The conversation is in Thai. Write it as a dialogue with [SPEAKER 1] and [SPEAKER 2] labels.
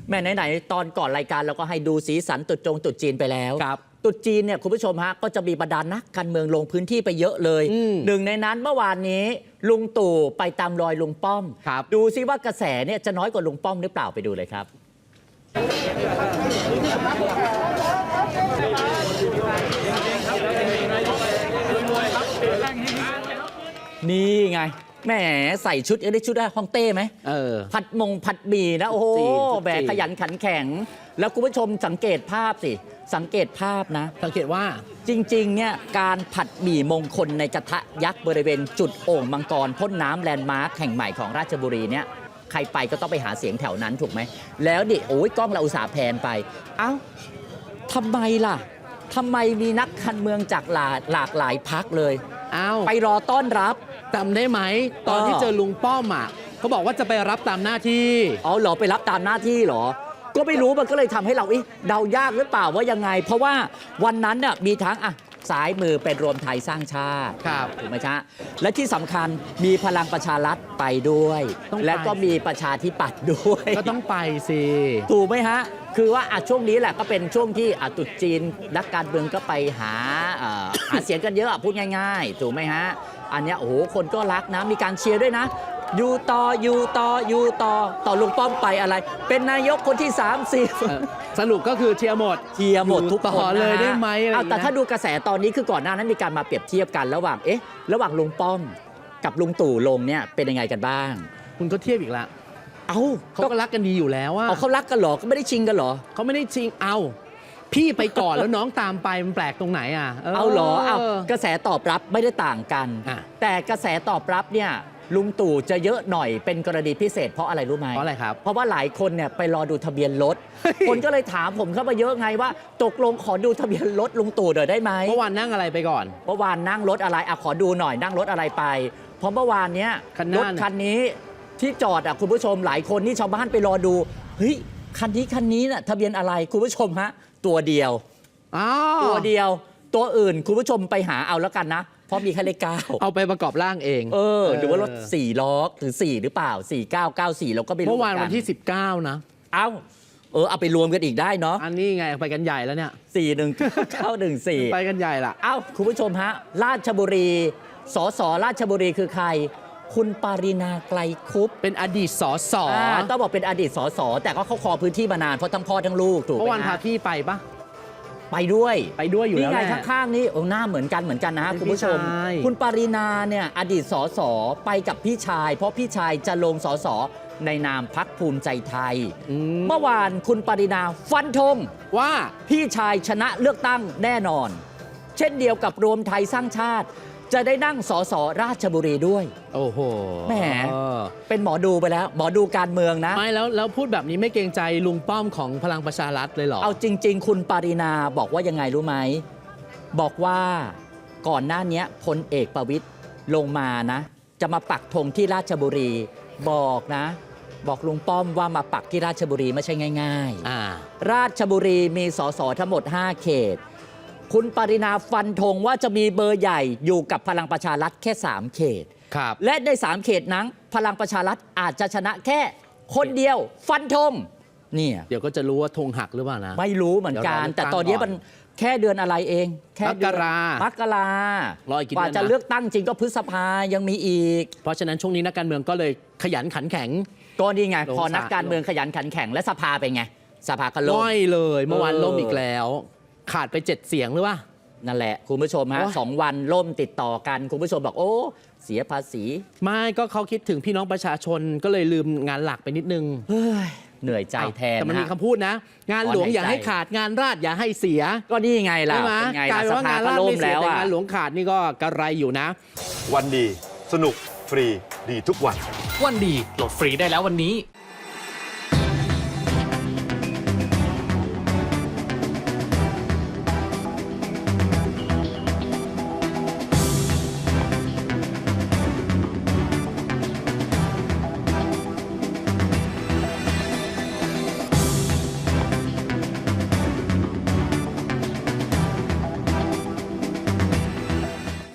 [SPEAKER 1] แม่ไหนๆตอนก่อนรายการเราก็ให้ดูสีสันตรุษจีนไปแล้ว
[SPEAKER 2] ครับ
[SPEAKER 1] ตรุษจีนเนี่ยคุณผู้ชมฮะก็จะมีบรรดานักการเมืองลงพื้นที่ไปเยอะเลยหนึ่งในนั้นเมื่อวานนี้ลุงตู่ไปตามรอยลุงป้อมดูซิว่ากระแสเนี่ยจะน้อยกว่าลุงป้อมหรือเปล่าไปดูเลยครับนี่ไงแหมใส่ชุดได้ชุดได้ฮ่องเต้ไหมผัดหมี่นะโอ้โหแบกขยันขันแข็งแล้วคุณผู้ชมสังเกตภาพสิสังเกตภาพนะ
[SPEAKER 2] สังเกตว่า
[SPEAKER 1] จริงๆเนี่ยการผัดหมี่มงคลในกระทะยักษ์บริเวณจุดโอ่งมังกรพ่นน้ำแลนด์มาร์คแห่งใหม่ของราชบุรีเนี่ยใครไปก็ต้องไปหาเสียงแถวนั้นถูกไหมแล้วดิโอ้ยกล้องเราอุตส่าห์แพนไปเอ้าทำไมล่ะทำไมมีนักการเมืองจากหลากหลายพรรคเลยไปรอต้อนรับ
[SPEAKER 2] จำได้ไหมตอนที่เจอลุงป้อมอ่ะเขาบอกว่าจะไปรับตามหน้าที่
[SPEAKER 1] อ๋อเหรอไปรับตามหน้าที่เหรอก็ไม่รู้มันก็เลยทำให้เราเดายากหรือเปล่าว่ายังไงเพราะว่าวันนั้นเนี่ยมีทั้งซ้ายมือเป็นรวมไทยสร้างชาติถูกไหมจ๊ะและที่สำคัญมีพลังประชารัฐไปด้วยและก็มีประชาธิปัตย์ด้วย
[SPEAKER 2] ก็ต้องไปสิ
[SPEAKER 1] ถูกไหมฮะคือว่าช่วงนี้แหละก็เป็นช่วงที่ตรุษจีนนักการเมืองก็ไปหาเสียงกันเยอะพูดง่ายๆถูกไหมฮะอันนี้โอ้โหคนก็รักนะมีการเชียร์ด้วยนะอยู่ต่อลุงป้อมไปอะไรเป็นนายกคนที่30
[SPEAKER 2] สรุปก็คือเชียร์หมด
[SPEAKER 1] ทุกคน
[SPEAKER 2] เลยได้ไหม
[SPEAKER 1] แต่ถ้าดูกระแสตอนนี้คือก่อนหน้านั้นมีการมาเปรียบเทียบกันระหว่างลุงป้อมกับลุงตู่ลงเนี่ยเป็นยังไงกันบ้าง
[SPEAKER 2] คุณก็เทียบอีกละเขาก็รักกันดีอยู่แล้ว
[SPEAKER 1] เขารักกันเหรอก็ไม่ได้ชิงกันเหรอ
[SPEAKER 2] เขาไม่ได้ชิงพี่ไปก่อนแล้วน้องตามไปมันแปลกตรงไหน
[SPEAKER 1] เหรอกระแสตอบรับไม่ได้ต่างกันแต่กระแสตอบรับเนี่ยลุงตู่จะเยอะหน่อยเป็นกรณีพิเศษเพราะอะไรรู้ไหม
[SPEAKER 2] เพราะอะไรครับ
[SPEAKER 1] เพราะว่าหลายคนเนี่ยไปรอดูทะเบียนรถ คนก็เลยถามผมเข้ามาเยอะไงว่าตกลงขอดูทะเบียนรถลุงตู่หน่อยได้ไหม
[SPEAKER 2] เมื่อวานนั่งอะไรไปก่อน
[SPEAKER 1] เมื่อวานนั่งรถอะไรขอดูหน่อยนั่งรถอะไรไปเพราะเมื่อวานเนี้ยรถคันนี้ที่จอดคุณผู้ชมหลายคนนี่ชาวบ้านไปรอดูเฮ้ยคันนี้น่ะทะเบียนอะไรคุณผู้ชมฮะตัวเดียวตัวอื่นคุณผู้ชมไปหาเอาแล้วกันนะเพราะมีแค่เลข9
[SPEAKER 2] เอาไปประกอบร่างเอง
[SPEAKER 1] หรือว่ารถ4ล้อหรือ4หรือเปล่า4994เราก็ไม่รู้
[SPEAKER 2] เมื่อวานวันที่19นะ
[SPEAKER 1] เอาไปรวมกันอีกได้เนาะ
[SPEAKER 2] อันนี้ไงไปกันใหญ่แล้วเนี่ย
[SPEAKER 1] 41914
[SPEAKER 2] ไปกันใหญ่ละ
[SPEAKER 1] คุณผู้ชมฮะราชบุรีสสราชบุรีคือใครคุณปารินาไกลคุป
[SPEAKER 2] เป็นอดีตสส
[SPEAKER 1] ต้องบอกเป็นอดีตสสแต่ก็เขาครองพื้นที่มานานเพราะทั้งพ่อทั้งลูกถูกไหม
[SPEAKER 2] เมื่อวานพาพี่ไปปะ
[SPEAKER 1] ไปด้วย
[SPEAKER 2] อยู่แล้ว
[SPEAKER 1] นี่ไงข้างๆนี่หน้าเหมือนกันนะฮะคุณผู้ชมคุณปารินาเนี่ยอดีตสสไปกับพี่ชายเพราะพี่ชายจะลงสสในนามพรรคภูมิใจไทยเมื่อวานคุณปารินาฟันธงว่าพี่ชายชนะเลือกตั้งแน่นอนเช่นเดียวกับรวมไทยสร้างชาติจะได้นั่งสสราชบุรีด้วย
[SPEAKER 2] โอ้โห
[SPEAKER 1] แหมเป็นหมอดูไปแล้วหมอดูการเมืองนะ
[SPEAKER 2] ไม่แล้วพูดแบบนี้ไม่เกรงใจลุงป้อมของพลังประชารัฐเลยเหรอ
[SPEAKER 1] เอาจริงๆคุณปารินาบอกว่ายังไงรู้ไหมบอกว่าก่อนหน้านี้พลเอกประวิตรลงมานะจะมาปักธงที่ราชบุรีบอกลุงป้อมว่ามาปักที่ราชบุรีไม่ใช่ง่ายๆราชบุรีมีสสทั้งหมด5เขตคุณปรินาฟันธงว่าจะมีเบอร์ใหญ่อยู่กับพลังประชารัฐแค่3เขตและใน3เขตนั้นพลังประชารัฐอาจจะชนะแค่คนเดียวฟันธงเนี่ย
[SPEAKER 2] เดี๋ยวก็จะรู้ว่าธงหักหรือเปล่านะ
[SPEAKER 1] ไม่รู้เหมือนกันแต่ตอนนี้มันแค่เดือนอะไรเองแค่
[SPEAKER 2] มกร
[SPEAKER 1] ากว่าจะเลือกตั้งจริงก็พฤษภายังมีอีก
[SPEAKER 2] เพราะฉะนั้นช่วงนี้นักการเมืองก็เลยขยันขันแข็ง
[SPEAKER 1] ก็นี่ไงพอนักการเมืองขยันขันแข็งและสภาเป็นไงสภาก็ล่ม
[SPEAKER 2] เลยเมื่อวานล่มอีกแล้วขาดไป7 เสียงหรือว่า
[SPEAKER 1] นั่นแหละคุณผู้ชมฮะ2 วันล่มติดต่อกันคุณผู้ชมบอกโอ้เสียภาษี
[SPEAKER 2] ไม่ก็เขาคิดถึงพี่น้องประชาชนก็เลยลืมงานหลักไปนิดนึง
[SPEAKER 1] เหนื่อยใจแทน
[SPEAKER 2] แต่มันมีคำพูดนะงานหลวงอย่าให้ขาดงานราษฎรอย่าให้เสีย
[SPEAKER 1] ก็นี่ไงล่ะเป็นไง
[SPEAKER 2] กลายว่างานราษฎรไม่เสียแต่งานหลวงขาดนี่ก็กระไรอยู่นะ
[SPEAKER 3] วันดีสนุกฟรีดีทุกวัน
[SPEAKER 4] วันดีโหลดฟรีได้แล้ววันนี้